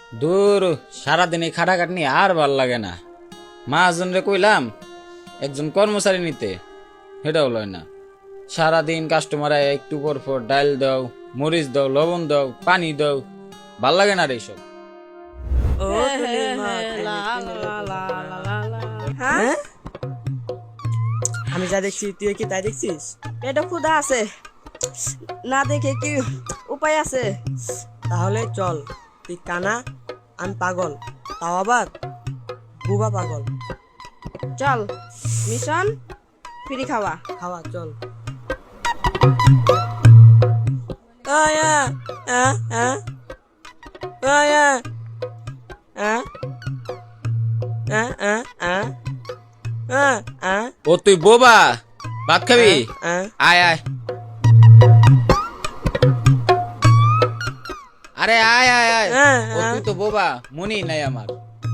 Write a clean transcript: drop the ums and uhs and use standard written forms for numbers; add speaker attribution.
Speaker 1: দূর সারাদিন এই খাটাখাটনি আর ভাল লাগে না। মহাজন রে কইলাম একজন কর্মচারী নিতে, সেটাও লয় না। সারাদিন কাস্টমার একটু পর পর ডাল দাও, মরিচ দাও, লবণ দাও, পানি দাও, ভাল লাগে না রে এইসব।
Speaker 2: হ্যাঁ আমি যা দেখছি তুই কি তাই দেখছিস?
Speaker 3: পেটে ক্ষুধা আছে, না দেখে কি উপায় আছে?
Speaker 2: তাহলে চল, তুই কানা আমি পাগল, তাও আবার বুবা পাগল।
Speaker 3: চল মিশন ফ্রি খাওয়া।
Speaker 2: খাওয়া চল। আয়া আ আ আয়া আ আ আ আ আ আ
Speaker 1: ও তুই বোবা, ভাত খাবি?
Speaker 2: আ
Speaker 1: আয় আয়, আরে আয় আয় আয়। ও তুই তো বোবা, মনেই নাই আমার।